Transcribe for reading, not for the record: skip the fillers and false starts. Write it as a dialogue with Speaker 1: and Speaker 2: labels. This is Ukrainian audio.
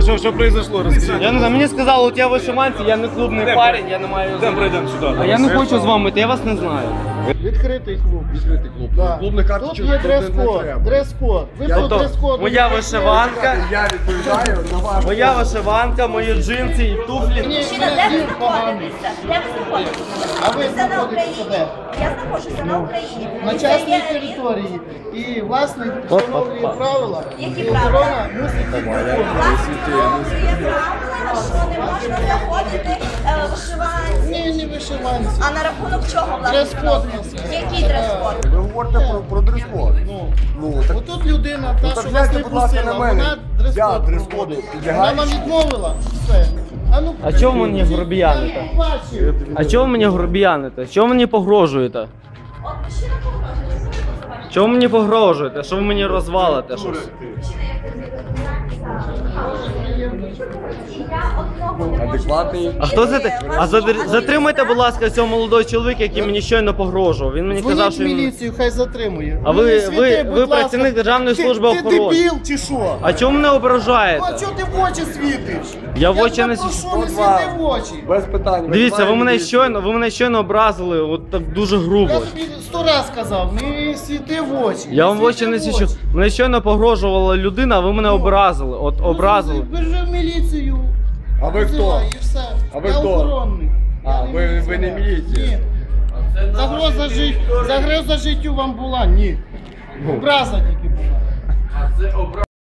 Speaker 1: А що произошло? Розкажіть.
Speaker 2: Я не знаю, мені сказали, у тебе вишиванці, я не клубний парень, я не маю...
Speaker 1: Йдемо пройдемо сюди.
Speaker 2: А я не хочу з вами йти, я вас не знаю.
Speaker 3: Відкритий клуб.
Speaker 4: Відкритий клуб.
Speaker 3: Да.
Speaker 4: Клубних
Speaker 3: Тут
Speaker 4: карточок
Speaker 3: є
Speaker 4: не
Speaker 3: дрес-код.
Speaker 4: треба.
Speaker 3: Дрес-код. Ви по
Speaker 2: Тобто,
Speaker 3: дрес-коду.
Speaker 2: моя вишиванка,
Speaker 4: Я відповідаю на ваш.
Speaker 2: моя вишиванка, мої джинси і туфлі.
Speaker 5: Мужчина, де ви знаходитеся? Де ви знаходитеся?
Speaker 3: А ви
Speaker 5: Це на
Speaker 3: знаходитеся
Speaker 5: Україні.
Speaker 3: де?
Speaker 5: Я знаходжуся на Україні.
Speaker 3: На
Speaker 5: І
Speaker 3: частній
Speaker 5: це є
Speaker 3: території. І власник встановлює правила.
Speaker 5: Які
Speaker 3: і
Speaker 5: правила?
Speaker 3: охорона мусить їх виконувати.
Speaker 5: власник встановлює правила, що не можна заходити вишиванці.
Speaker 3: Ні, не вишиванці.
Speaker 5: А на рахунок чого власник
Speaker 3: Дрес-код
Speaker 5: встановлює?
Speaker 3: у нас є.
Speaker 5: Який дрес-код?
Speaker 4: Ви говорите про дрес-код. Ну, так
Speaker 3: Отут людина, та, що вас
Speaker 4: гляньте,
Speaker 3: не
Speaker 4: будь ласка,
Speaker 3: пустила,
Speaker 4: на мене.
Speaker 3: вона
Speaker 4: Я
Speaker 3: дрес-код
Speaker 4: дрес-коду
Speaker 3: проводить. Вона
Speaker 4: підлягаю.
Speaker 3: вам відмовила. Все. Ну,
Speaker 2: А чого мені грубіяните?
Speaker 3: я не бачив.
Speaker 2: А чого мені грубіяните? Чого мені погрожуєте?
Speaker 5: От мужчина погрожує.
Speaker 2: Чого мені погрожуєте? Що ви мені розвалите щось?
Speaker 4: адекватний.
Speaker 2: А хто це? А затримайте, будь ласка, цього молодого чоловіка, який мені щойно погрожував. Він мені казав,
Speaker 3: Дзвоніть
Speaker 2: що
Speaker 3: в
Speaker 2: він...
Speaker 3: міліцію, хай затримує.
Speaker 2: А
Speaker 3: Ну, не
Speaker 2: ви
Speaker 3: світи, будь ласка.
Speaker 2: працівник Державної служби
Speaker 3: Ти
Speaker 2: охорони.
Speaker 3: дебіл чи що?
Speaker 2: А чому мене
Speaker 3: Ну,
Speaker 2: ображаєте?
Speaker 3: а чого ти в очі світиш?
Speaker 2: Я в очі
Speaker 3: тебе
Speaker 2: не
Speaker 3: прошу,
Speaker 2: свічу.
Speaker 3: не світи в очі.
Speaker 4: Без питань.
Speaker 2: Дивіться, ви мене
Speaker 4: Визиваємо
Speaker 2: щойно образили, от так дуже грубо.
Speaker 3: Я тобі 100 раз сказав, не світи в очі.
Speaker 2: Я вам в очі
Speaker 3: світи
Speaker 2: не
Speaker 3: в
Speaker 2: свічу.
Speaker 3: очі.
Speaker 2: Мене щойно погрожувала людина, а ви мене образили. От образили.
Speaker 3: Бежи в міліцію.
Speaker 4: А ви хто?
Speaker 3: Визивай, і все.
Speaker 4: А ви
Speaker 3: Я
Speaker 4: хто?
Speaker 3: охоронний.
Speaker 4: А,
Speaker 3: Я
Speaker 4: ви не
Speaker 3: міліціонер.
Speaker 4: міліція?
Speaker 3: Ні. Загроза життю вам була? Ні. Образа тільки була.